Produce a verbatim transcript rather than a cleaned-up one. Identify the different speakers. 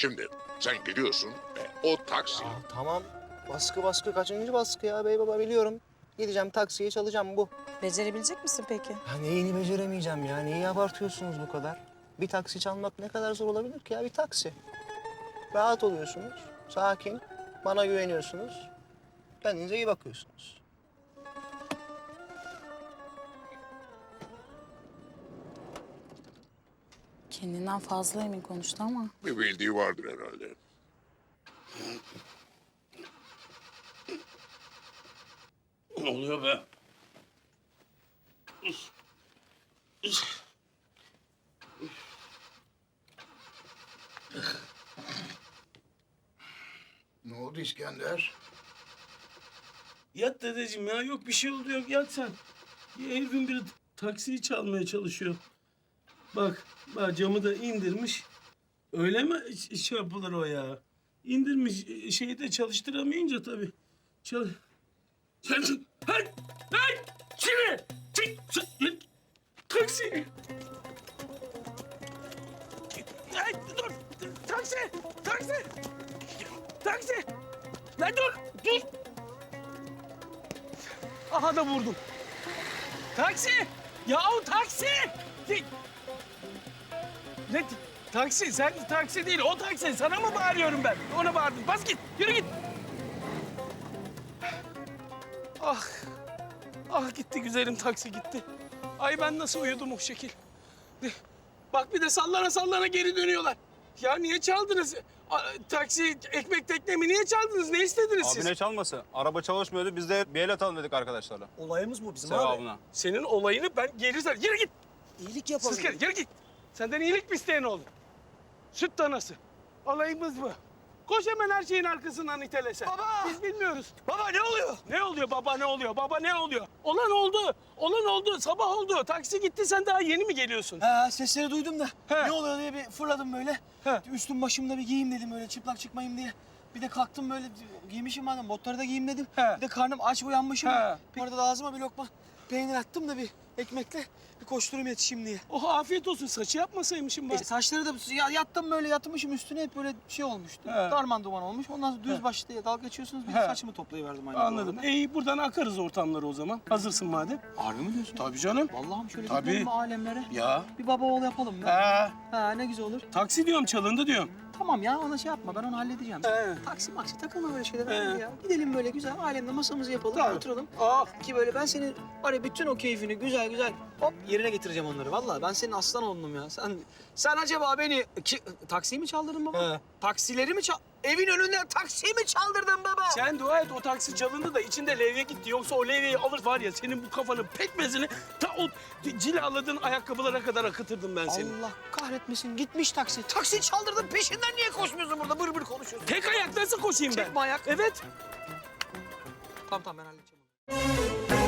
Speaker 1: Şimdi sen gidiyorsun ve o taksi...
Speaker 2: Aa, tamam. Baskı baskı kaçıncı baskı ya bey baba biliyorum. Gideceğim taksiyi çalacağım bu.
Speaker 3: Becerebilecek misin peki?
Speaker 2: Ya neyini beceremeyeceğim ya? Neyi abartıyorsunuz bu kadar? Bir taksi çalmak ne kadar zor olabilir ki ya? Bir taksi. Rahat oluyorsunuz, sakin, bana güveniyorsunuz. Kendinize iyi bakıyorsunuz.
Speaker 3: Kendinden fazla emin konuştu ama.
Speaker 1: Bir bildiği vardır herhalde.
Speaker 4: Ne oluyor be?
Speaker 5: Ne oldu İskender?
Speaker 4: Yat dedeciğim ya. Yok bir şey oldu yok. Yat sen. Ya herifin biri taksiyi çalmaya çalışıyor. Bak, bak camı da indirmiş. Öyle mi ş- şey yapılır o ya? İndirmiş, şeyi de çalıştıramayınca tabii. Çal... Çal... Hey! Hey! Şimdi! Çık! Çık! Taksi! Hey, dur! Taksi! Taksi! Taksi! Lan dur! Dur! Aha da vurdum. Taksi! Yahu taksi! Ne taksi? Sen taksi değil, o taksi. Sana mı bağırıyorum ben? Ona bağırdım. Bas git, yürü git. Ah, ah gitti güzelim taksi gitti. Ay ben nasıl uyudum o şekil. Bak bir de sallana sallana geri dönüyorlar. Ya niye çaldınız? A, taksi, ekmek teknemi niye çaldınız? Ne istediniz siz?
Speaker 6: Abi ne çalması? Araba çalışmıyordu. Biz de bir el atalım dedik arkadaşlarla.
Speaker 2: Olayımız bu bizim
Speaker 6: Sevabına.
Speaker 4: Senin olayını ben geri sar. Yürü git.
Speaker 2: İyilik yapalım.
Speaker 4: Siz gel, yürü git. Senden iyilik mi isteyen oldu? Süt danası. Olayımız bu. Koş hemen her şeyin arkasından itelesen.
Speaker 2: Baba!
Speaker 4: Biz bilmiyoruz.
Speaker 2: Baba ne oluyor?
Speaker 4: Ne oluyor baba ne oluyor? Baba ne oluyor? Olan oldu. Olan oldu. Sabah oldu. Taksi gitti. Sen daha yeni mi geliyorsun?
Speaker 7: Ha, sesleri duydum da
Speaker 4: He.
Speaker 7: ne oluyor diye bir fırladım böyle.
Speaker 4: He.
Speaker 7: Üstüm başımda bir giyeyim dedim öyle çıplak çıkmayayım diye. Bir de kalktım böyle giymişim madem botları da giyeyim dedim.
Speaker 4: He.
Speaker 7: Bir de karnım aç uyanmışım.
Speaker 4: He.
Speaker 7: Bir arada da ağzıma bir lokma peynir attım da bir ekmekle bir koşturayım yetişeyim diye.
Speaker 4: Oh afiyet olsun. Saçı yapmasaymışım ben.
Speaker 7: E, saçları da ya, yattım böyle yatmışım üstüne hep böyle şey olmuştu.
Speaker 4: He.
Speaker 7: Darman duman olmuş. Ondan sonra düz
Speaker 4: He.
Speaker 7: başlı diye dalga geçiyorsunuz. Bir
Speaker 4: He.
Speaker 7: de saçımı toplayıverdim aynı
Speaker 4: Anladım.
Speaker 7: zamanda.
Speaker 4: İyi buradan akarız ortamları o zaman. Hazırsın madem.
Speaker 7: Harbi mi diyorsun?
Speaker 4: Tabii canım.
Speaker 7: Vallahi mi şöyle
Speaker 4: Tabii.
Speaker 7: gidelim mi alemlere?
Speaker 4: Ya.
Speaker 7: Bir baba oğul yapalım mı?
Speaker 4: Ha.
Speaker 7: Ha ne güzel olur.
Speaker 4: Taksi diyorum çalındı diyorum.
Speaker 7: Tamam ya ona şey yapma ben onu halledeceğim.
Speaker 4: He.
Speaker 7: Taksi maksi takılma böyle şeylere
Speaker 4: He.
Speaker 7: hadi ya. Gidelim böyle güzel alemde masamızı yapalım
Speaker 4: Tamam.
Speaker 7: oturalım.
Speaker 4: Ah.
Speaker 7: Ki böyle ben senin var ya bütün o keyfini güzel güzel hop yerine getireceğim onları. Vallahi ben senin aslan oğlunum ya. Sen sen acaba beni ki, taksiyi mi çaldırdın baba?
Speaker 4: He.
Speaker 7: Taksileri mi çal... Evin önünden taksiyi mi çaldırdın baba?
Speaker 4: Sen dua et o taksi çalındı da içinde levye gitti. Yoksa o levyeyi alır var ya senin bu kafanın pekmezini ta o cilaladığın ayakkabılara kadar akıtırdım ben seni.
Speaker 7: Allah kahretmesin gitmiş taksi. Taksiyi çaldırdın peşinden niye koşmuyorsun burada bır bır konuşuyorsun?
Speaker 4: Tek ayak nasıl koşayım ben?
Speaker 7: Tek mi ayak?
Speaker 4: Evet.
Speaker 7: Tamam tamam ben halledeceğim onu.